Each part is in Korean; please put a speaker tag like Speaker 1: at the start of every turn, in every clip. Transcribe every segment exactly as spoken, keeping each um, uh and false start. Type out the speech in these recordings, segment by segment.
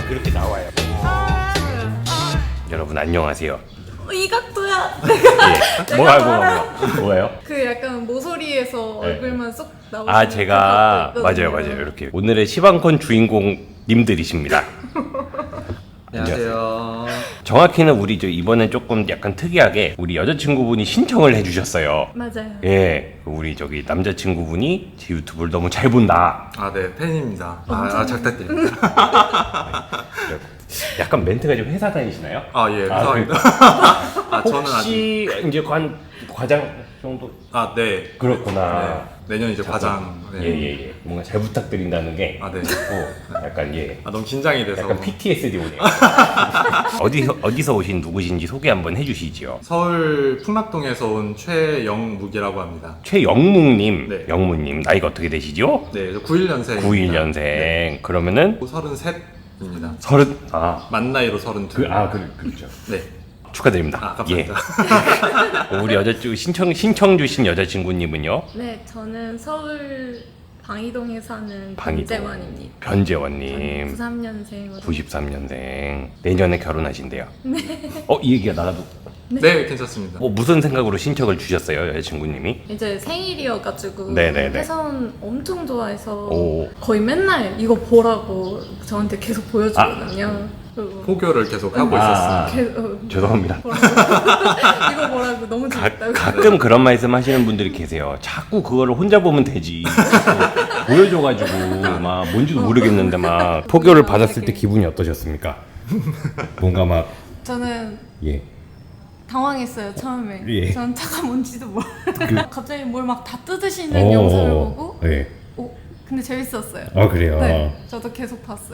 Speaker 1: 그렇게 나와요. 여러분 안녕하세요.
Speaker 2: 어, 이 각도야.
Speaker 1: 예. 뭐가 뭐가 뭐가 뭐가요?
Speaker 2: 그 약간 모서리에서
Speaker 1: 네.
Speaker 2: 얼굴만 쏙 나오는.
Speaker 1: 아 제가
Speaker 2: 그
Speaker 1: 맞아요 맞아요 이렇게 오늘의 시방콘 주인공님들이십니다.
Speaker 3: 안녕하세요.
Speaker 1: 정확히는 우리 저 이번엔 조금 약간 특이하게 우리 여자친구분이 신청을 해주셨어요.
Speaker 2: 맞아요.
Speaker 1: 예, 우리 저기 남자친구분이 제 유튜브를 너무 잘 본다.
Speaker 3: 아, 네, 팬입니다. 아, 아 작다드립니다.
Speaker 1: 약간 멘트가 좀 회사 다니시나요?
Speaker 3: 아, 예,
Speaker 1: 아,
Speaker 3: 감사합니다. 아, 저는 아직
Speaker 1: 혹시 이제 관 과장 정도
Speaker 3: 아, 네.
Speaker 1: 그렇구나.
Speaker 3: 네. 내년 이제 과장. 네.
Speaker 1: 예예예. 예. 뭔가 잘 부탁드린다는 게.
Speaker 3: 아, 네.
Speaker 1: 어, 약간 예.
Speaker 3: 아, 너무 긴장이 돼서.
Speaker 1: 약간 피티에스디 오네요. 어디서 어디서 오신 누구신지 소개 한번 해주시지요.
Speaker 3: 서울 풍락동에서 온 최영묵이라고 합니다.
Speaker 1: 최영묵님,
Speaker 3: 네.
Speaker 1: 영무님 나이가 어떻게 되시죠?
Speaker 3: 네, 저 구십일 년생.
Speaker 1: 구십일 년생.
Speaker 3: 네.
Speaker 1: 그러면은
Speaker 3: 서른셋입니다.
Speaker 1: 서른 아.
Speaker 3: 만 나이로 서른둘.
Speaker 1: 그, 아, 그, 그렇죠.
Speaker 3: 네.
Speaker 1: 축하드립니다.
Speaker 3: 아, 감사합니다.
Speaker 1: 예. 우리 여자친구 신청 신청 주신 여자친구님은요?
Speaker 2: 네, 저는 서울 방이동에 사는
Speaker 1: 방이동.
Speaker 2: 변재원입니다.
Speaker 1: 변재원님.
Speaker 2: 구십삼 년생으로.
Speaker 1: 구십삼 년생. 내년에 결혼하신대요. 네. 어, 이 얘기가 나가도
Speaker 3: 네, 괜찮습니다.
Speaker 1: 뭐 무슨 생각으로 신청을 주셨어요, 여자친구님이?
Speaker 2: 이제 생일이어가지고
Speaker 1: 네네네.
Speaker 2: 해선 엄청 좋아해서
Speaker 1: 오.
Speaker 2: 거의 맨날 이거 보라고 저한테 계속 보여주거든요. 그리고
Speaker 3: 포교를 계속 하고
Speaker 1: 아.
Speaker 3: 있었어요.
Speaker 2: 계속 어,
Speaker 1: 죄송합니다.
Speaker 2: 보라고. 이거 보라고 너무
Speaker 1: 가,
Speaker 2: 재밌다고.
Speaker 1: 가끔 그런 말씀 하시는 분들이 계세요. 자꾸 그거를 혼자 보면 되지. 자꾸 보여줘가지고 막 뭔지도 모르겠는데 막 포교를 받았을 때 기분이 어떠셨습니까? 뭔가 막
Speaker 2: 저는
Speaker 1: 예.
Speaker 2: 당황했어요 처음에.
Speaker 1: 예.
Speaker 2: 전 차가 뭔지도 몰라.
Speaker 1: 그-
Speaker 2: 갑자기 뭘 막 다 뜯으시는 영상을 보고,
Speaker 1: 네.
Speaker 2: 오, 근데 재밌었어요.
Speaker 1: 아 그래요.
Speaker 2: 네, 저도 계속 봤어요.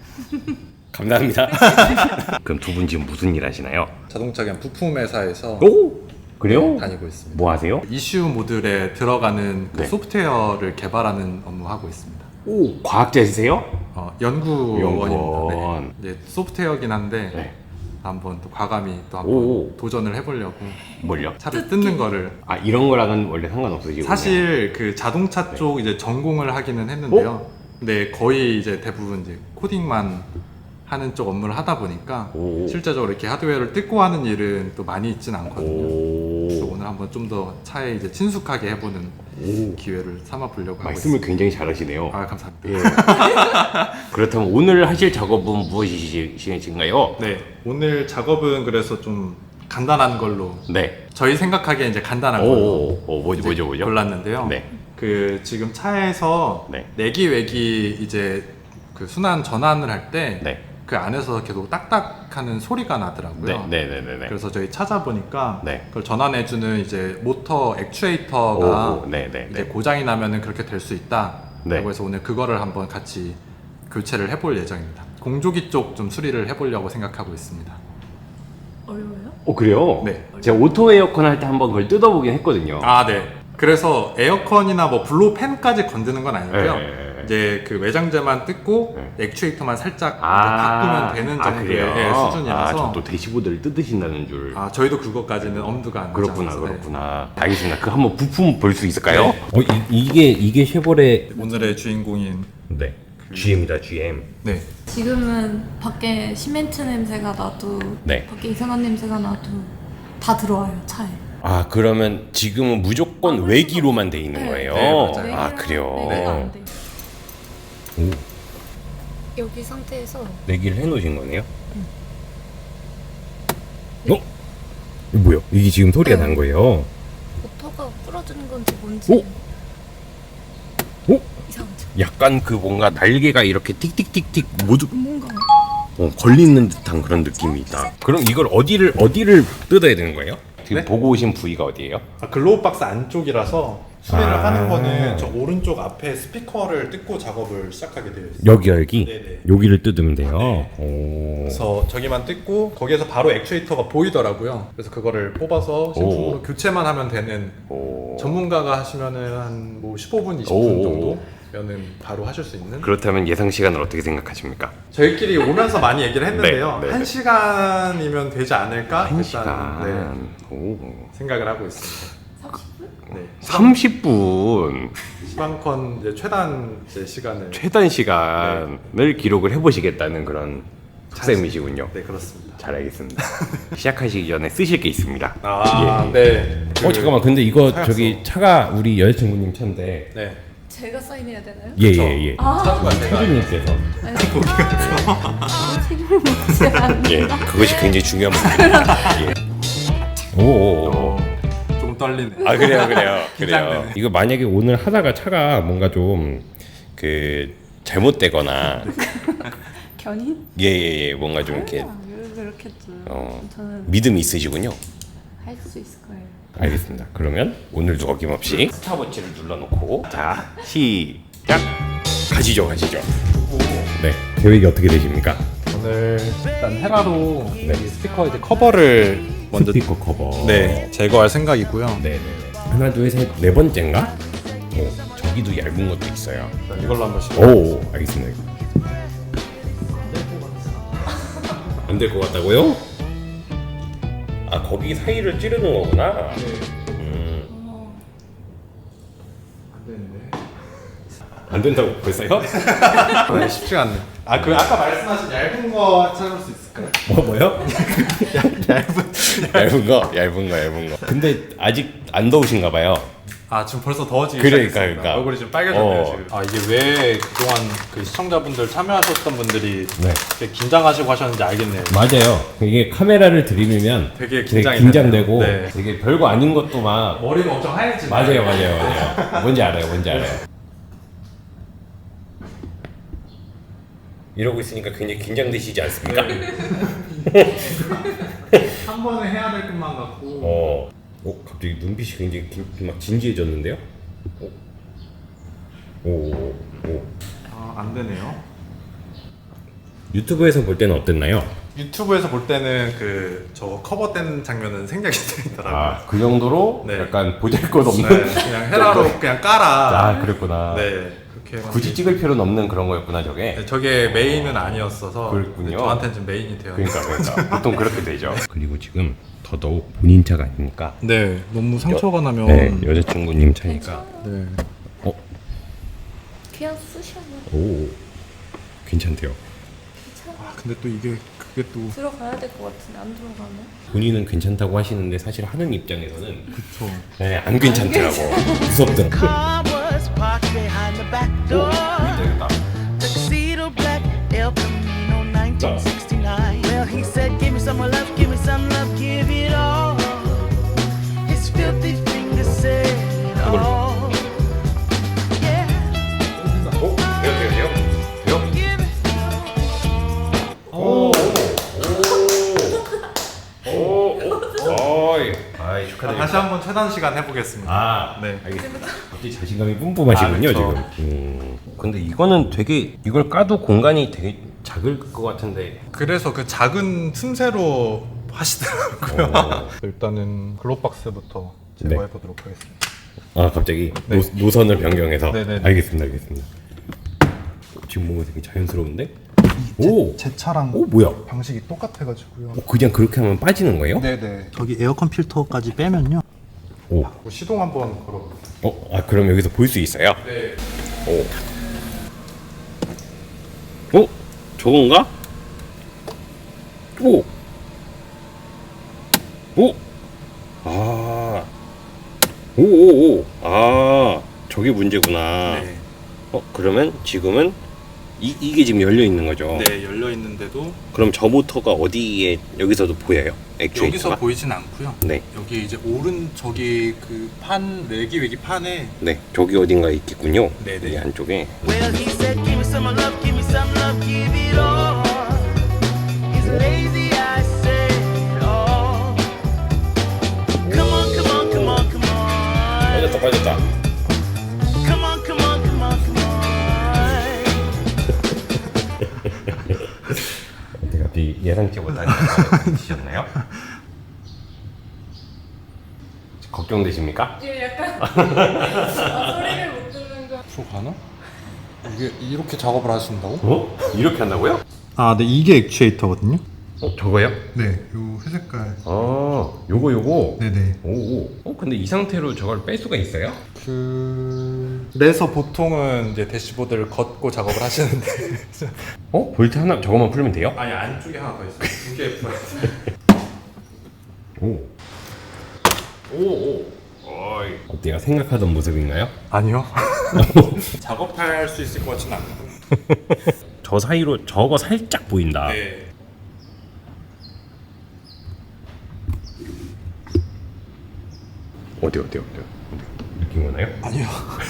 Speaker 1: 감사합니다. 그럼 두 분 지금 무슨 일 하시나요?
Speaker 3: 자동차 그냥 부품 회사에서
Speaker 1: 오 그래요?
Speaker 3: 다니고 있습니다.
Speaker 1: 뭐 하세요?
Speaker 3: 이슈 모듈에 들어가는 그
Speaker 1: 네.
Speaker 3: 소프트웨어를 개발하는 업무 하고 있습니다.
Speaker 1: 오 과학자이세요?
Speaker 3: 어, 연구원입니다.
Speaker 1: 연구원.
Speaker 3: 네. 이제 소프트웨어긴 한데
Speaker 1: 네.
Speaker 3: 한번 또 과감히 또 한번
Speaker 1: 오.
Speaker 3: 도전을 해보려고
Speaker 1: 뭘요?
Speaker 3: 차를 뜯는 거를
Speaker 1: 아 이런 거랑은 원래 상관없으시고
Speaker 3: 사실 그
Speaker 1: 네.
Speaker 3: 자동차 쪽 이제 전공을 하기는 했는데요. 근데 거의 이제 대부분 이제 코딩만 하는 쪽 업무를 하다 보니까
Speaker 1: 오.
Speaker 3: 실제적으로 이렇게 하드웨어를 뜯고 하는 일은 또 많이 있진 않거든요. 그래서
Speaker 1: 오.
Speaker 3: 오늘 한번 좀 더 차에 이제 친숙하게 해보는
Speaker 1: 오.
Speaker 3: 기회를 삼아 보려고 하고
Speaker 1: 말씀을
Speaker 3: 있습니다.
Speaker 1: 굉장히 잘하시네요.
Speaker 3: 아, 감사합니다.
Speaker 1: 예. 그렇다면 오늘 하실 작업은 무엇이신가요?
Speaker 3: 네, 오늘 작업은 그래서 좀 간단한 걸로
Speaker 1: 네.
Speaker 3: 저희 생각하기에 이제 간단한 걸로
Speaker 1: 오, 오, 뭐죠,
Speaker 3: 이제
Speaker 1: 뭐죠, 뭐죠?
Speaker 3: 골랐는데요.
Speaker 1: 네.
Speaker 3: 그 지금 차에서
Speaker 1: 네.
Speaker 3: 내기 외기 이제 그 순환 전환을 할 때 그
Speaker 1: 네.
Speaker 3: 안에서 계속 딱딱하는 소리가 나더라고요.
Speaker 1: 네, 네, 네, 네, 네.
Speaker 3: 그래서 저희 찾아보니까
Speaker 1: 네.
Speaker 3: 그걸 전환해주는 이제 모터 액추에이터가
Speaker 1: 오, 오, 네, 네,
Speaker 3: 이제
Speaker 1: 네.
Speaker 3: 고장이 나면은 그렇게 될 수 있다.
Speaker 1: 네.
Speaker 3: 그래서 오늘 그거를 한번 같이 교체를 해볼 예정입니다. 공조기 쪽 좀 수리를 해보려고 생각하고 있습니다.
Speaker 2: 어려워요?
Speaker 1: 어, 그래요?
Speaker 3: 네.
Speaker 1: 제가 오토 에어컨 할 때 한번 그걸 뜯어보긴 했거든요.
Speaker 3: 아, 네. 그래서 에어컨이나 뭐 블로 팬까지 건드는 건 아니고요.
Speaker 1: 네, 네, 네.
Speaker 3: 이제 그 외장재만 뜯고
Speaker 1: 네.
Speaker 3: 액추에이터만 살짝
Speaker 1: 아,
Speaker 3: 바꾸면 되는
Speaker 1: 아,
Speaker 3: 정도의
Speaker 1: 그래요?
Speaker 3: 예,
Speaker 1: 아,
Speaker 3: 수준이라서.
Speaker 1: 저또 대시보드를 뜯으신다는 줄.
Speaker 3: 아, 저희도 그것까지는 엄두가 안 나지
Speaker 1: 그렇구나,
Speaker 3: 않아서, 네.
Speaker 1: 그렇구나. 알겠습니다. 그 한번 부품 볼 수 있을까요?
Speaker 3: 네.
Speaker 1: 어, 이, 이게 이게 쉐보레.
Speaker 3: 오늘의 주인공인
Speaker 1: 네. 지엠이다, 지엠.
Speaker 3: 네.
Speaker 2: 지금은 밖에 시멘트 냄새가 나도,
Speaker 1: 네.
Speaker 2: 밖에 이상한 냄새가 나도 다 들어와요 차에.
Speaker 1: 아 그러면 지금은 무조건
Speaker 2: 아,
Speaker 1: 외기로만 돼 있는
Speaker 2: 네.
Speaker 1: 거예요?
Speaker 3: 네, 맞아요.
Speaker 1: 아 그래요.
Speaker 2: 내기가 안 돼.
Speaker 1: 오,
Speaker 2: 여기 상태에서
Speaker 1: 내기를 해놓으신 거네요? 어? 이거 뭐야? 이게 지금 소리가
Speaker 2: 네.
Speaker 1: 난 거예요?
Speaker 2: 모터가 부러지는 건지 뭔지.
Speaker 1: 오? 오?
Speaker 2: 이상하죠?
Speaker 1: 약간 그 뭔가 날개가 이렇게 틱틱틱틱 모두
Speaker 2: 뭔가
Speaker 1: 어, 걸리는 듯한 그런 느낌이 있다. 그럼 이걸 어디를 어디를 뜯어야 되는 거예요? 지금
Speaker 3: 네?
Speaker 1: 보고 오신 부위가 어디예요?
Speaker 4: 아, 글로우 박스 안쪽이라서 수리를
Speaker 1: 아.
Speaker 4: 하는 거는 저 오른쪽 앞에 스피커를 뜯고 작업을 시작하게 되어 있어요.
Speaker 1: 여기 여기
Speaker 4: 네네.
Speaker 1: 여기를 뜯으면 돼요.
Speaker 4: 네.
Speaker 1: 오.
Speaker 4: 그래서 저기만 뜯고 거기에서 바로 액추에이터가 보이더라고요. 그래서 그거를 뽑아서 신품으로
Speaker 1: 오.
Speaker 4: 교체만 하면 되는
Speaker 1: 오.
Speaker 4: 전문가가 하시면은 한 뭐 십오 분, 이십
Speaker 1: 오.
Speaker 4: 분 정도면은 바로 하실 수 있는.
Speaker 1: 그렇다면 예상 시간을 어떻게 생각하십니까?
Speaker 4: 저희끼리 오면서 많이 얘기를 했는데요.
Speaker 1: 네, 네,
Speaker 4: 한
Speaker 1: 네.
Speaker 4: 시간이면 되지 않을까?
Speaker 1: 한
Speaker 4: 일단,
Speaker 1: 시간.
Speaker 4: 네,
Speaker 1: 오.
Speaker 4: 생각을 하고 있습니다.
Speaker 2: 삼십 분?
Speaker 4: 네.
Speaker 1: 삼십 분
Speaker 4: 시방컨 이제 최단 이제 시간을
Speaker 1: 최단 시간을 기록을 해보시겠다는 그런 학생이시군요.
Speaker 3: 네, 그렇습니다.
Speaker 1: 잘 알겠습니다. 시작하시기 전에 쓰실 게 있습니다.
Speaker 3: 아,
Speaker 1: 예.
Speaker 3: 네.
Speaker 1: 어 잠깐만 근데 이거
Speaker 3: 하얗소.
Speaker 1: 저기 차가 우리 여자친구님 차인데
Speaker 3: 네.
Speaker 2: 제가 사인해야 되나요?
Speaker 1: 예예예 예,
Speaker 2: 아,
Speaker 3: 차주가 제가
Speaker 1: 차주님께서
Speaker 2: 아니, 아, 책임을 묻지 않는다.
Speaker 1: 예 그것이 굉장히 중요한 부분입니다. 예. 오오오
Speaker 3: 어, 좀 떨리네.
Speaker 1: 아 그래요 그래요 그래요.
Speaker 3: 긴장되네.
Speaker 1: 이거 만약에 오늘 하다가 차가 뭔가 좀 그 잘못되거나
Speaker 2: 견인?
Speaker 1: 예예예 뭔가 좀 이렇게
Speaker 2: 아, 그렇겠죠.
Speaker 1: 어,
Speaker 2: 저는
Speaker 1: 믿음이 있으시군요.
Speaker 2: 할 수 있을 거예요.
Speaker 1: 알겠습니다. 그러면 오늘도 어김없이 스탑워치를 눌러놓고 자 시작 가시죠 가시죠. 네 계획이 어떻게 되십니까?
Speaker 3: 오늘 일단 헤라로 이 스피커 이제 커버를 먼저
Speaker 1: 스피커 커버.
Speaker 3: 네 제거할 생각이고요.
Speaker 1: 네네네. 하나 둘 셋 네 번째인가? 오, 저기도 얇은 것도 있어요.
Speaker 3: 이걸로 한번 시작.
Speaker 1: 오 알겠습니다. 안 될 것 같다고요? 아 거기 사이를 찌르는 거구나. 음.
Speaker 3: 안 되는데.
Speaker 1: 안 된다고 벌써요?
Speaker 3: 네, 쉽지가 않네. 아, 그 아까 말씀하신 얇은 거 찾을 수 있을까요?
Speaker 1: 뭐 뭐요?
Speaker 3: 얇은.
Speaker 1: 얇은 거, 얇은 거, 얇은 거. 근데 아직 안 더우신가 봐요.
Speaker 3: 아, 지금 벌써 더워지기
Speaker 1: 그러니까,
Speaker 3: 시작했습니다.
Speaker 1: 그러니까.
Speaker 3: 얼굴이 좀 빨개졌네요,
Speaker 1: 어.
Speaker 3: 지금. 아, 이게 왜 그동안 그 시청자분들 참여하셨던 분들이
Speaker 1: 네.
Speaker 3: 되게 긴장하시고 하셨는지 알겠네요.
Speaker 1: 맞아요. 이게 카메라를 들이밀면
Speaker 3: 되게 긴장이
Speaker 1: 긴장되고
Speaker 3: 되네요. 네.
Speaker 1: 되게 별거 아닌 것도 막
Speaker 3: 머리가 엄청 하얘지네.
Speaker 1: 맞아요, 맞아요, 맞아요. 뭔지 알아요, 뭔지 알아요. 이러고 있으니까 굉장히 긴장되시지 않습니까?
Speaker 3: 한 번에 해야 될 것만 같고.
Speaker 1: 어, 어, 갑자기 눈빛이 굉장히 긴, 막 진지해졌는데요? 오, 오, 오.
Speaker 3: 아, 안 되네요.
Speaker 1: 유튜브에서 볼 때는 어땠나요?
Speaker 3: 유튜브에서 볼 때는 그 저 커버 뗀 장면은 생략이 되더라고요.
Speaker 1: 아, 그 정도로
Speaker 3: 네.
Speaker 1: 약간 보잘것없는.
Speaker 3: 네, 그냥 헤라로 그냥 깔아.
Speaker 1: 아, 그랬구나.
Speaker 3: 네, 그렇게
Speaker 1: 굳이 찍을 필요는 없는 그런 거였구나, 저게.
Speaker 3: 네, 저게 메인은 아니었어서
Speaker 1: 그랬군요.
Speaker 3: 네, 저한테는 좀 메인이 되어.
Speaker 1: 그러니까, 그러니까. 보통 그렇게 되죠. 그리고 지금 더더욱 본인 차가 아니니까.
Speaker 3: 네, 너무 상처가 나면.
Speaker 1: 네, 여자친구님 차니까.
Speaker 3: 네.
Speaker 1: 어,
Speaker 2: 그냥 쓰셔요.
Speaker 1: 오, 괜찮대요.
Speaker 3: 아, 근데 또 이게 그게 또
Speaker 2: 들어가야 될 것 같은데 안 들어가네.
Speaker 1: 본인은 괜찮다고 하시는데 사실 하는 입장에서는
Speaker 3: 그쵸.
Speaker 1: 네, 안 괜찮더라고. 무섭더라고.
Speaker 5: Car was parked behind the back door.
Speaker 1: 되겠다.
Speaker 5: Tuxedo black, El Camino nineteen sixty-nine. Well, he said, give me some more love, give me some love, give it all. His filthy fingers said it all. Yeah,
Speaker 1: 오, 돼요, 돼요, 돼요. 돼요?
Speaker 5: give it.
Speaker 1: 오, 오, 오, 어이, 아이
Speaker 3: 아,
Speaker 1: 축하드립니다.
Speaker 3: 다시 한번 최단 시간 해보겠습니다.
Speaker 1: 아,
Speaker 3: 네.
Speaker 1: 알겠습니다. 갑자기 자신감이 뿜뿜하시군요,
Speaker 3: 아, 그쵸.
Speaker 1: 지금. 음, 근데 이거는 되게 이걸 까도 공간이 되게 작을 것 같은데.
Speaker 3: 그래서 그 작은 틈새로 하시더라고요.
Speaker 1: 어.
Speaker 3: 일단은 글로박스부터
Speaker 1: 네.
Speaker 3: 제거해 보도록 하겠습니다.
Speaker 1: 아, 갑자기
Speaker 3: 네.
Speaker 1: 노, 노선을 변경해서.
Speaker 3: 네네네.
Speaker 1: 알겠습니다, 알겠습니다. 지금 뭔가 되게 자연스러운데? 오,
Speaker 3: 제 차랑
Speaker 1: 오 뭐야?
Speaker 3: 방식이 똑같아가지고요.
Speaker 1: 어, 그냥 그렇게 하면 빠지는 거예요?
Speaker 3: 네네.
Speaker 6: 저기 에어컨 필터까지 빼면요.
Speaker 1: 오,
Speaker 3: 뭐 시동 한번 걸어볼게요.
Speaker 1: 어, 아 그럼 여기서 볼 수 있어요?
Speaker 3: 네.
Speaker 1: 오, 어, 저건가? 오, 오, 아, 오, 오, 오, 아, 저게 문제구나.
Speaker 3: 네.
Speaker 1: 어, 그러면 지금은 이 이게 지금 열려 있는 거죠?
Speaker 3: 네, 열려 있는데도
Speaker 1: 그럼 저 모터가 어디에 여기서도 보여요? 액추에이터가?
Speaker 3: 여기서 보이진 않고요.
Speaker 1: 네,
Speaker 3: 여기 이제 오른 저기 그 판 외기 외기 판에
Speaker 1: 네, 저기 어딘가에 있겠군요.
Speaker 3: 네네.
Speaker 1: 이 안쪽에.
Speaker 5: Well, he said, give me some more love, give me some love, give it all. He's lazy, I said it all. Come on, come on, come on, come on.
Speaker 1: 빠졌다, 빠졌다.
Speaker 5: Come on, come on, come on, come on.
Speaker 1: 내가 비 예상치 못한 드셨나요? 걱정되십니까?
Speaker 2: 예, 약간 아, 소리를 못 듣는 거.
Speaker 3: 프로 가나? 이게 이렇게 작업을 하신다고?
Speaker 1: 어? 이렇게 한다고요?
Speaker 3: 아, 네, 이게 액추에이터거든요.
Speaker 1: 어 저거요?
Speaker 7: 네, 요 회색깔.
Speaker 1: 아 요거 요거.
Speaker 7: 네네.
Speaker 1: 오. 어 근데 이 상태로 저걸 뺄 수가 있어요?
Speaker 3: 그래서 보통은 이제 대시보드를 걷고 작업을 하시는데
Speaker 1: 어 볼트 하나 저거만 풀면 돼요?
Speaker 3: 아니 안쪽에 하나 더 있어요. 두개 풀어있어요.
Speaker 1: 오. 오 오. 어이. 어때요? 생각하던 모습인가요?
Speaker 3: 아니요. 작업할 수 있을 것 같지는 않고.
Speaker 1: 저 사이로 저거 살짝 보인다.
Speaker 3: 네.
Speaker 1: 어디 어디 어디 어디 느낌 오나요?
Speaker 3: 아니요.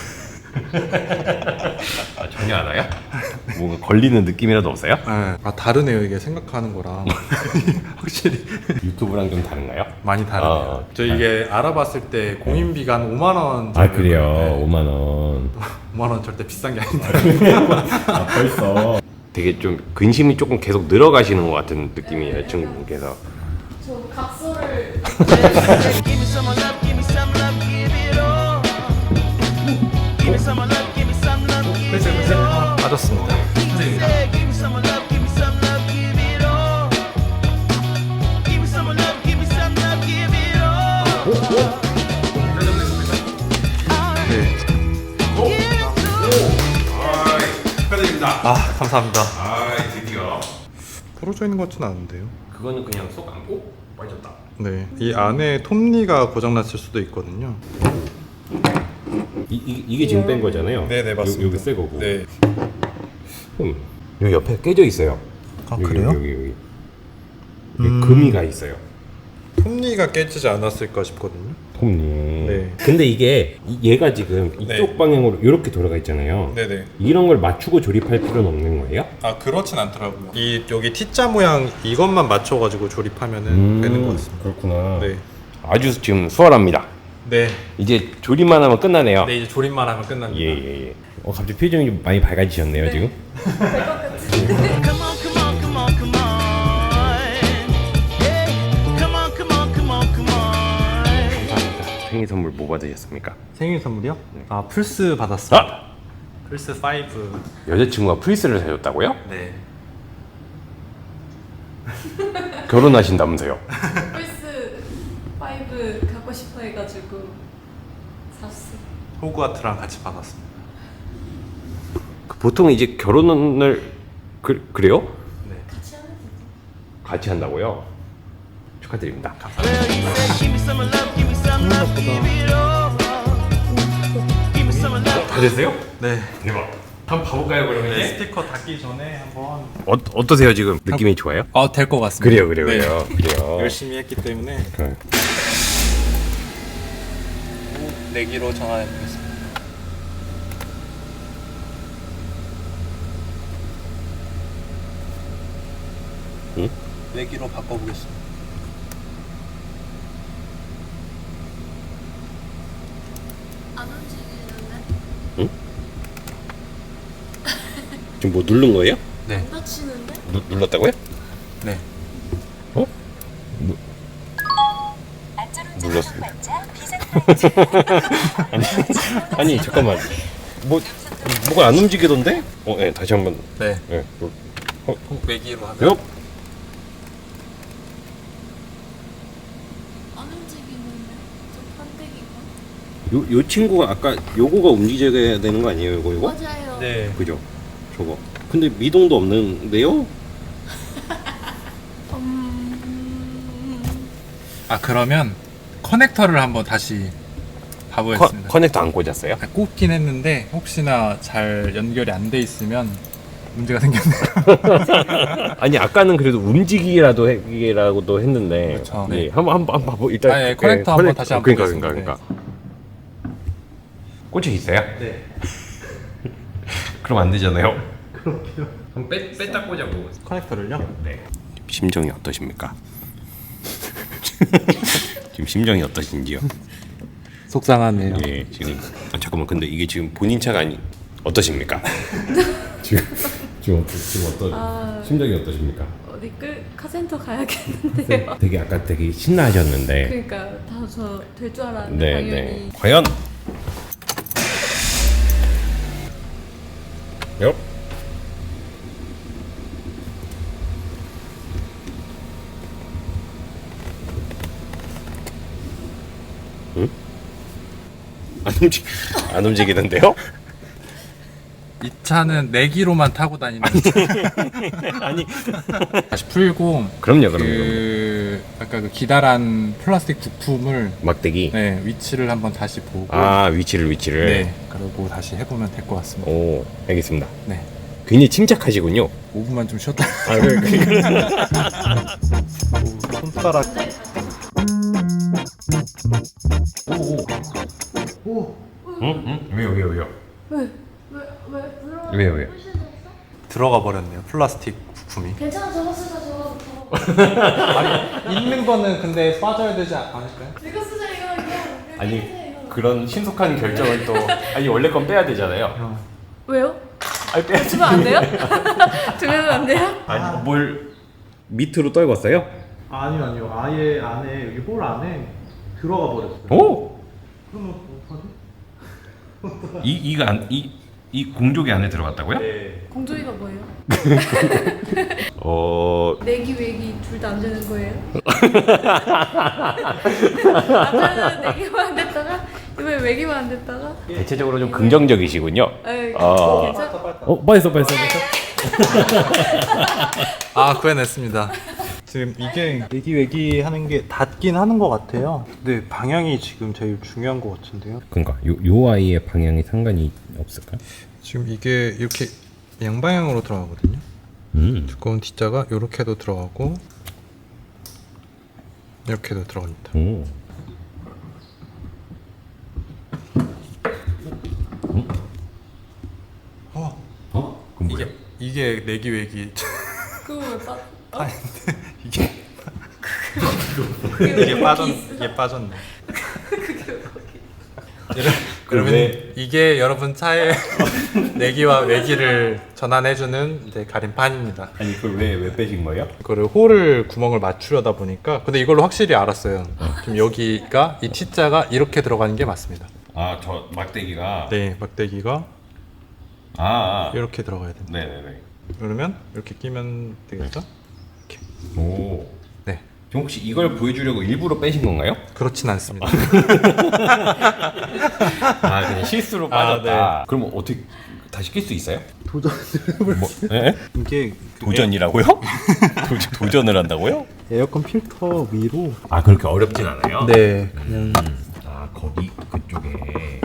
Speaker 1: 아, 전혀 안 와요? 뭔가 걸리는 느낌이라도 없어요?
Speaker 3: 네. 아 다르네요 이게 생각하는 거랑 확실히
Speaker 1: 유튜브랑 좀 다른가요?
Speaker 3: 많이 다르네요.
Speaker 1: 아,
Speaker 3: 저 이게 알아봤을 때 공인비가 한 오만 원.
Speaker 1: 아 그래요?
Speaker 3: 네.
Speaker 1: 오만 원.
Speaker 3: 오만 원 절대 비싼 게 아닌데.
Speaker 1: 아 벌써. 되게 좀 근심이 조금 계속 늘어가시는 것 같은 느낌이에요, 친구분께서.
Speaker 2: 저 각서를
Speaker 5: Give me some love, give me some love, give it all. Give me some love, give me some love, give it all.
Speaker 3: 빠졌습니다.
Speaker 5: Say, give me some love, give me some love, give it all. Give me some love, give me some love, give it all.
Speaker 3: 네.
Speaker 1: 축하드립니다.
Speaker 3: 아 감사합니다.
Speaker 1: 아 드디어.
Speaker 3: 부러져 있는 것 같지는 않은데요.
Speaker 1: 그거는 그냥 속 안고 빠졌다.
Speaker 3: 네. 이 안에 톱니가 고장났을 수도 있거든요.
Speaker 1: 이, 이 이게 지금 뺀 거잖아요.
Speaker 3: 네네, 맞습니다.
Speaker 1: 요, 여기 새 거고.
Speaker 3: 네.
Speaker 1: 음, 여기 옆에 깨져 있어요.
Speaker 6: 아,
Speaker 1: 여기,
Speaker 6: 그래요?
Speaker 1: 여기 여기. 여기. 여기 금이 가 있어요.
Speaker 3: 톱니가 깨지지 않았을까 싶거든요.
Speaker 1: 톱니.
Speaker 3: 네.
Speaker 1: 근데 이게 이- 얘가 지금 이쪽
Speaker 3: 네.
Speaker 1: 방향으로 이렇게 돌아가 있잖아요.
Speaker 3: 네네.
Speaker 1: 이런 걸 맞추고 조립할 필요는 없는 거예요?
Speaker 3: 아 그렇진 않더라고요. 이 여기 T자 모양 이것만 맞춰가지고 조립하면은 되는 것 같습니다.
Speaker 1: 그렇구나.
Speaker 3: 네.
Speaker 1: 아주 지금 수월합니다.
Speaker 3: 네.
Speaker 1: 이제 조립만 하면 끝나네요.
Speaker 3: 네 이제 조립만 하면 끝납니다.
Speaker 1: 예예 예. 어 갑자기 표정이 좀 많이 밝아지셨네요 지금.
Speaker 5: Come on, come on, come on, come on. Yeah. Come on, come on, come on, come on.
Speaker 1: 생일 선물 뭐 받으셨습니까?
Speaker 3: 생일 선물이요? 아 플스 받았어요.
Speaker 1: 아
Speaker 3: 플스 오.
Speaker 1: 여자친구가 프리스를 사줬다고요?
Speaker 3: 네.
Speaker 1: 결혼하신다면서요?
Speaker 2: 플스 파이브 갖고 싶어 해가지고 샀어.
Speaker 3: 호그와트랑 같이 받았습니다.
Speaker 1: 그 보통 이제 결혼을 그, 그래요?
Speaker 3: 네.
Speaker 2: 같이 하면 되죠.
Speaker 1: 같이 한다고요? 축하드립니다.
Speaker 5: Well, he said, give me some love, give me some love, give it all. Give me some love.
Speaker 1: 다 됐어요?
Speaker 3: 네.
Speaker 1: 대박. 한번 봐볼까요 그러면
Speaker 3: 네. 스티커 닫기 전에 한번.
Speaker 1: 어, 어떠세요 지금? 느낌이 좋아요?
Speaker 3: 어, 될 것 같습니다.
Speaker 1: 그래요 그래요
Speaker 3: 네.
Speaker 1: 그래요 그래요.
Speaker 3: 열심히 했기 때문에
Speaker 1: 그래.
Speaker 3: 내기로 전화해 보겠습니다.
Speaker 1: 응?
Speaker 3: 내기로 바꿔보겠습니다.
Speaker 2: 안 움직이는데?
Speaker 1: 지금 뭐 누른 거예요?
Speaker 3: 네.
Speaker 2: 다치는데?
Speaker 1: 누, 눌렀다고요?
Speaker 3: 네.
Speaker 1: 어? 누, 눌렀어. 아니, 아니 잠깐만. 뭐 뭐가 안 움직이던데? 어, 네 다시 한번.
Speaker 3: 네.
Speaker 1: 네. 어, 어,
Speaker 3: 꼭 내기로 하면.
Speaker 1: 요?
Speaker 2: 안 움직이는데? 저 판때기가?
Speaker 1: 요, 요 친구가 아까 요거가 움직여야 되는 거 아니에요? 요거 요거?
Speaker 2: 맞아요.
Speaker 3: 네.
Speaker 1: 그죠? 저거. 근데 미동도 없는데요?
Speaker 2: 음...
Speaker 3: 아 그러면 커넥터를 한번 다시
Speaker 1: 커,
Speaker 3: 봐보겠습니다.
Speaker 1: 커넥터 안 꽂았어요?
Speaker 3: 아, 꼽긴 했는데 혹시나 잘 연결이 안 돼 있으면 문제가 생겼네요.
Speaker 1: 아니 아까는 그래도 움직이기라도 해기라고도 했는데.
Speaker 3: 그렇죠.
Speaker 1: 예,
Speaker 3: 네.
Speaker 1: 한번 한번 한번 봐보 일단.
Speaker 3: 아, 예, 커넥터 한번
Speaker 1: 커넥-
Speaker 3: 다시 한번
Speaker 1: 그러니까
Speaker 3: 보겠습니다.
Speaker 1: 그러니까 그러니까. 꽂혀 있어요?
Speaker 3: 네.
Speaker 1: 그럼 안 되잖아요. 그럼 빼 뺐다 꽂아보고.
Speaker 3: 커넥터를요?
Speaker 1: 네. 심정이 어떠십니까? 지금 심정이 어떠신지요?
Speaker 3: 속상하네요.
Speaker 1: 예, 지금 아, 잠깐만 근데 이게 지금 본인 차가 아니 어떠십니까? 지금 지금 어떠, 지금 어떠
Speaker 2: 아.
Speaker 1: 심정이 어떠십니까?
Speaker 2: 어디 끌 카센터 가야겠는데요.
Speaker 1: 되게 아까 되게 신나하셨는데.
Speaker 2: 그러니까 다 저 될 줄 알았는데
Speaker 1: 네,
Speaker 2: 당연히.
Speaker 1: 네. 과연? 요? 안 움직 안 움직이는데요?
Speaker 3: 이 차는 내기로만 타고 다니는
Speaker 1: 아니
Speaker 3: 다시 풀고
Speaker 1: 그럼요, 그럼요.
Speaker 3: 그 아까 그 기다란 플라스틱 부품을
Speaker 1: 막대기.
Speaker 3: 네, 위치를 한번 다시 보고
Speaker 1: 아 위치를 위치를.
Speaker 3: 네, 그리고 다시 해보면 될 것 같습니다.
Speaker 1: 오 알겠습니다.
Speaker 3: 네,
Speaker 1: 굉장히 침착하시군요.
Speaker 3: 오 분만 좀 쉬었다.
Speaker 1: 아 그래.
Speaker 6: 손가락
Speaker 1: 응? 응? 왜요 왜요 왜요?
Speaker 2: 왜? 왜? 왜? 물론
Speaker 1: 왜요 왜요?
Speaker 4: 들어가 버렸네요. 플라스틱 부품이.
Speaker 2: 괜찮아 저거 쓰자 저거 저거.
Speaker 3: 있는 거는 근데 빠져야 되지 않을까요?
Speaker 2: 이거 쓰자 이거 이거. 이거
Speaker 1: 아니
Speaker 2: 쓰자, 이거.
Speaker 1: 그런 신속한 결정을 또 아니 원래 건 빼야 되잖아요.
Speaker 2: 왜요?
Speaker 1: 아니 빼야지.
Speaker 2: 주면 안 돼요? 주면 안 돼요?
Speaker 1: 아니 뭘 밑으로 떨궜어요?
Speaker 6: 아니요 아니요 아예 안에 여기 홀 안에 들어가 버렸어요.
Speaker 1: 오!
Speaker 6: 그러면 어떡하지?
Speaker 1: 이 이가 안이 이 공조기 안에 들어갔다고요?
Speaker 6: 네.
Speaker 2: 공조기가 뭐예요?
Speaker 1: 어
Speaker 2: 내기 외기 둘 다 안 되는 거예요? 아까는 내기만 안 됐다가 이번에 외기만 안 됐다가
Speaker 1: 대체적으로 좀 긍정적이시군요.
Speaker 2: 에이,
Speaker 1: 어.
Speaker 2: 괜찮아?
Speaker 1: 어 빠졌어 빠졌어 빠졌어.
Speaker 3: 아 구해냈습니다.
Speaker 6: 지금 이게 내기 외기 하는 게 닿긴 하는 것 같아요. 근데 방향이 지금 제일 중요한 것 같은데요.
Speaker 1: 그러니까 요, 요 아이의 방향이 상관이 없을까?
Speaker 3: 지금 이게 이렇게 양방향으로 들어가거든요.
Speaker 1: 음.
Speaker 3: 두꺼운 T자가 이렇게도 들어가고 이렇게도 들어갑니다.
Speaker 1: 오.
Speaker 3: 어,
Speaker 1: 어? 그럼 뭐야?
Speaker 3: 이게 이게 내기 외기.
Speaker 2: 그거 왜 빠?
Speaker 3: 아니 근데 이게
Speaker 2: 그게
Speaker 3: 이게 빠졌
Speaker 2: 있어?
Speaker 3: 이게 빠졌네.
Speaker 2: 그게 왜 거기?
Speaker 3: 여러분
Speaker 1: 왜-
Speaker 3: 이게 여러분 차의 내기와 외기를 전환해주는 이제 가림판입니다.
Speaker 1: 아니 그걸 왜 왜 빼신 거예요?
Speaker 3: 이거를 홀을 구멍을 맞추려다 보니까 근데 이걸로 확실히 알았어요. 지금 여기가 이 T자가 이렇게 들어가는 게 맞습니다.
Speaker 1: 아 저 막대기가.
Speaker 3: 네, 막대기가
Speaker 1: 아. 아.
Speaker 3: 이렇게 들어가야 됩니다.
Speaker 1: 네네네.
Speaker 3: 그러면 이렇게 끼면 되겠죠? 이렇게.
Speaker 1: 오.
Speaker 3: 네,
Speaker 1: 지금 혹시 이걸 보여주려고 일부러 빼신 건가요?
Speaker 3: 그렇진 않습니다.
Speaker 1: 아 그냥 실수로 빠졌다. 그럼 어떻게 다시 낄 수 있어요?
Speaker 6: 도전
Speaker 1: 뭐? 예?
Speaker 6: 이게 그
Speaker 1: 도전이라고요? 도, 도전을 한다고요?
Speaker 6: 에어컨 필터 위로
Speaker 1: 아 그렇게 어렵진 않아요?
Speaker 6: 네 그냥
Speaker 1: 아 거기 그쪽에.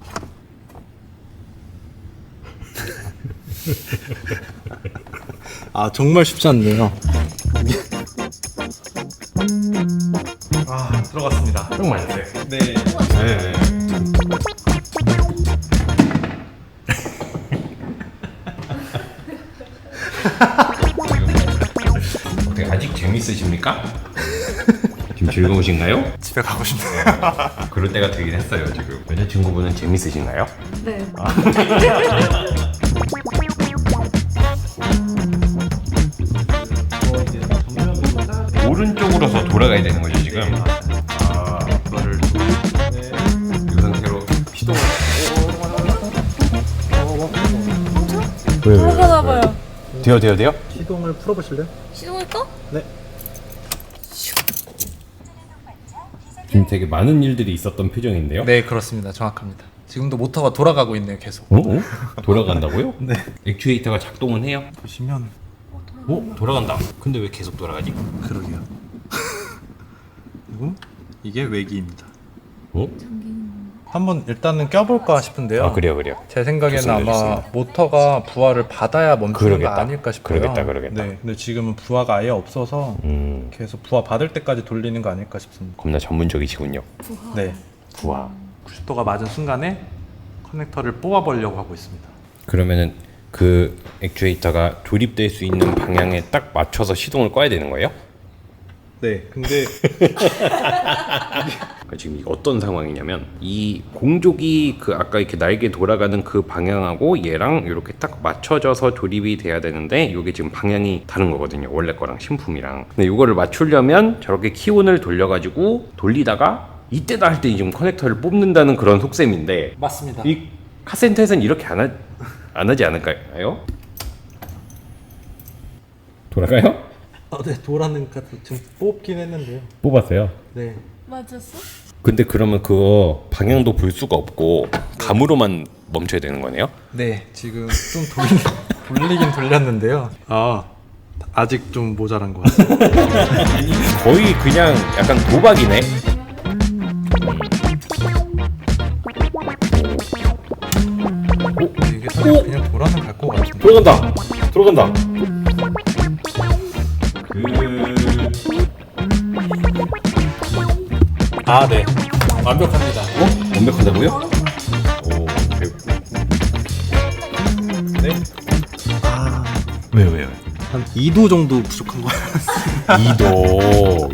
Speaker 6: 아 정말 쉽지 않네요.
Speaker 3: 아, 들어갔습니다.
Speaker 1: 좀 많았어요.
Speaker 3: 네.
Speaker 1: 네. 어떻게 아직 재밌으십니까? 지금 즐거우신가요?
Speaker 3: 집에 가고 싶네요.
Speaker 1: 그럴 때가 되긴 했어요 지금. 여자친구분은 재밌으신가요?
Speaker 2: 네.
Speaker 1: 오른쪽으로서 돌아가야 되는 거죠 지금? 아 이거를 이 상태로 시동을. 왜, 왜, 왜?
Speaker 2: 돌아가나 봐요.
Speaker 1: 돼요 돼요 돼요?
Speaker 6: 시동을 풀어보실래요?
Speaker 2: 시동을 꺼?
Speaker 6: 네.
Speaker 1: 지금 되게 많은 일들이 있었던 표정인데요?
Speaker 3: 네, 그렇습니다. 정확합니다. 지금도 모터가 돌아가고 있네요, 계속.
Speaker 1: 어? 어? 돌아간다고요? 네. 액추에이터가 작동은 해요?
Speaker 6: 보시면
Speaker 1: 어? 돌아간다. 근데 왜 계속 돌아가지?
Speaker 6: 그러게요. 그리고 이게 외기입니다.
Speaker 1: 어?
Speaker 3: 한번 일단은 껴볼까 싶은데요.
Speaker 1: 아 그래요 그래요.
Speaker 3: 제 생각에는
Speaker 1: 좋습니다,
Speaker 3: 아마
Speaker 1: 좋습니다.
Speaker 3: 모터가 부하를 받아야 멈추는
Speaker 1: 그러겠다.
Speaker 3: 거 아닐까 싶어요.
Speaker 1: 그러겠다 그러겠다.
Speaker 3: 네, 근데 지금은 부하가 아예 없어서
Speaker 1: 음
Speaker 3: 계속 부하 받을 때까지 돌리는 거 아닐까 싶습니다.
Speaker 1: 겁나 전문적이시군요.
Speaker 3: 네,
Speaker 1: 부하.
Speaker 3: 구십 도가 맞은 순간에 커넥터를 뽑아보려고 하고 있습니다.
Speaker 1: 그러면은 그 액추에이터가 조립될 수 있는 방향에 딱 맞춰서 시동을 꺼야 되는 거예요?
Speaker 6: 네. 근데
Speaker 1: 그러니까 지금 이게 어떤 상황이냐면 이 공족이 그 아까 이렇게 날개 돌아가는 그 방향하고 얘랑 이렇게 딱 맞춰져서 조립이 돼야 되는데 이게 지금 방향이 다른 거거든요. 원래 거랑 신품이랑. 근데 이거를 맞추려면 저렇게 키온을 돌려가지고 돌리다가 이때다 할 때 지금 커넥터를 뽑는다는 그런 속셈인데
Speaker 3: 맞습니다.
Speaker 1: 이 카센터에서는 이렇게 안, 하, 안 하지 않을까요? 돌아가요?
Speaker 6: 아, 네 돌아는 같은 지금 뽑긴 했는데요.
Speaker 1: 뽑았어요.
Speaker 6: 네.
Speaker 2: 맞았어?
Speaker 1: 근데 그러면 그거 방향도 볼 수가 없고 감으로만 멈춰야 되는 거네요?
Speaker 3: 네, 지금 좀 돌리, 돌리긴 돌렸는데요. 아, 아직 좀 모자란 것 같아요.
Speaker 1: 거의 그냥 약간 도박이네.
Speaker 3: 오, 이게 사실 그냥 돌아는 갈 것 같은데.
Speaker 1: 들어간다. 들어간다.
Speaker 4: 아, 네. 완벽합니다.
Speaker 1: 어? 완벽하다고요? 오, 오케이.
Speaker 4: 네.
Speaker 1: 왜요, 왜요?
Speaker 6: 한 이 도 정도 부족한 거 같아요.
Speaker 1: 이 도.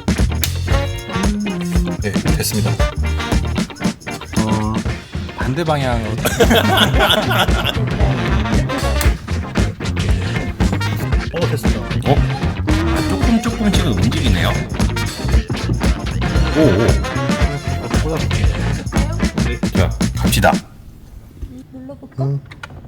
Speaker 3: 네, 됐습니다.
Speaker 6: 어,
Speaker 3: 반대 방향으로.
Speaker 6: 어 됐습니다.
Speaker 1: 어? 아, 조금 조금씩은 움직이네요. 오, 오. 자, 갑시다.
Speaker 2: 눌러볼까?
Speaker 6: 음.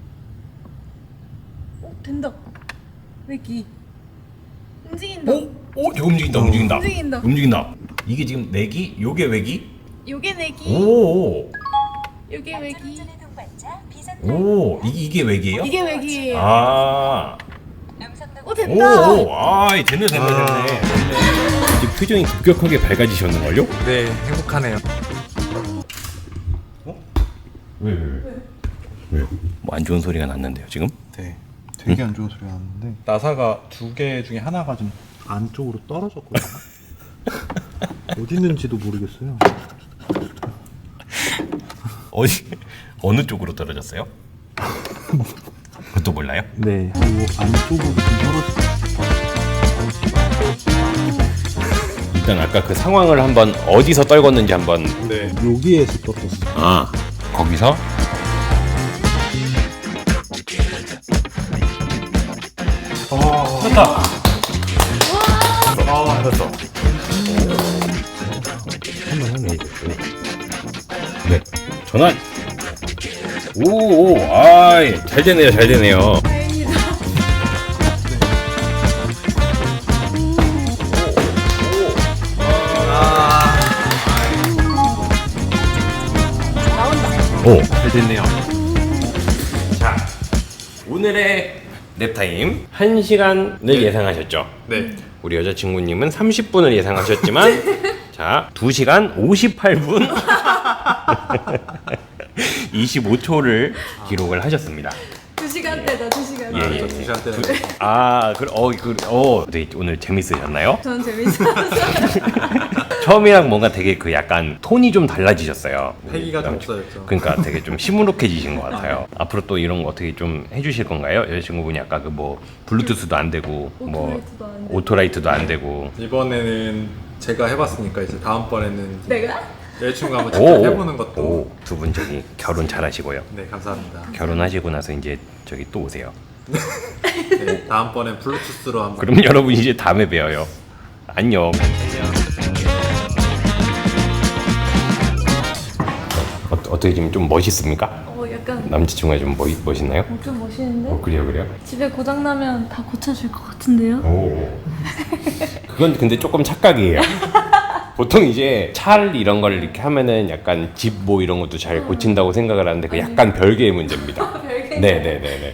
Speaker 2: 어, 된다. 외기. 움직인다.
Speaker 1: 오, 오, 이거 움직인다, 움직인다.
Speaker 2: 움직인다.
Speaker 1: 움직인다. 이게 지금 내기? 요게 외기?
Speaker 2: 요게 내기.
Speaker 1: 오,
Speaker 2: 요게 외기.
Speaker 1: 오, 이, 이게 외기예요?
Speaker 2: 이게 외기예요.
Speaker 1: 아,
Speaker 2: 어,
Speaker 1: 오,
Speaker 2: 된다.
Speaker 1: 오, 아, 됐네, 됐네, 됐네. 이제 표정이 급격하게 밝아지셨는걸요?
Speaker 3: 네, 행복하네요.
Speaker 1: 왜, 왜, 왜? 왜? 뭐 안 좋은 소리가 났는데요, 지금?
Speaker 6: 네, 되게 안 좋은 소리가 났는데 나사가 두 개 중에 하나가 좀 안쪽으로 떨어졌거든요. 어디 있는지도 모르겠어요.
Speaker 1: 어디, 어느 쪽으로 떨어졌어요? 그것도 몰라요?
Speaker 6: 네, 그리고 안쪽으로 좀 떨어졌어요.
Speaker 1: 일단 아까 그 상황을 한번 어디서 떨궜는지 한번.
Speaker 3: 네.
Speaker 6: 여기에서 떨어졌어요.
Speaker 1: 아, 거기서? 됐다. 아, 됐어. 한번 하네, 이거. 네, 전환. 오, 오, 아이, 잘 되네요, 잘 되네요.
Speaker 2: 다행이다.
Speaker 1: 오, 잘 됐네요. 자, 오늘의 랩타임 한 시간을 예상하셨죠?
Speaker 3: 네.
Speaker 1: 우리 여자친구님은 삼십 분을 예상하셨지만 자, 두 시간 오십팔 분 이십오 초를 기록을 하셨습니다.
Speaker 2: 두 시간대다, 두 시간대.
Speaker 1: 예, 예.
Speaker 3: 두 시간대.
Speaker 1: 아, 그래, 어, 그, 어, 되게 오늘 재밌으셨나요?
Speaker 2: 저는 재밌었어요.
Speaker 1: 처음이랑 뭔가 되게 그 약간 톤이 좀 달라지셨어요.
Speaker 3: 패기가 좀
Speaker 1: 남친-
Speaker 3: 없어졌죠.
Speaker 1: 그러니까 되게 좀 시무룩해지신 것 같아요. 앞으로 또 이런 거 어떻게 좀 해주실 건가요? 여자친구분이 아까 그 뭐 블루투스도 안 되고 뭐
Speaker 2: 오토라이트도 안 되고.
Speaker 1: 오토라이트도 안 되고.
Speaker 3: 이번에는 제가 해봤으니까 이제 다음번에는
Speaker 2: 내가?
Speaker 3: 여자친구가 한번 직접 해보는 것도.
Speaker 1: 오, 두 분 저기 결혼 잘하시고요.
Speaker 3: 네, 감사합니다.
Speaker 1: 결혼하시고 나서 이제 저기 또 오세요.
Speaker 3: 네, 다음번엔 블루투스로 한번.
Speaker 1: 그럼 여러분 이제 다음에 봬요. 안녕. 어, 어떻게 지금 좀 멋있습니까?
Speaker 2: 어, 약간
Speaker 1: 남자친구가 좀 멋, 멋있나요?
Speaker 2: 어, 좀 멋있는데?
Speaker 1: 어, 그래요, 그래요?
Speaker 2: 집에 고장 나면 다 고쳐줄 것 같은데요?
Speaker 1: 오. 그건 근데 조금 착각이에요. 보통 이제 차를 이런 걸 이렇게 하면은 약간 집 뭐 이런 것도 잘 고친다고 생각을 하는데 그 약간 별개의 문제입니다.
Speaker 2: 별개?
Speaker 1: 네네네네.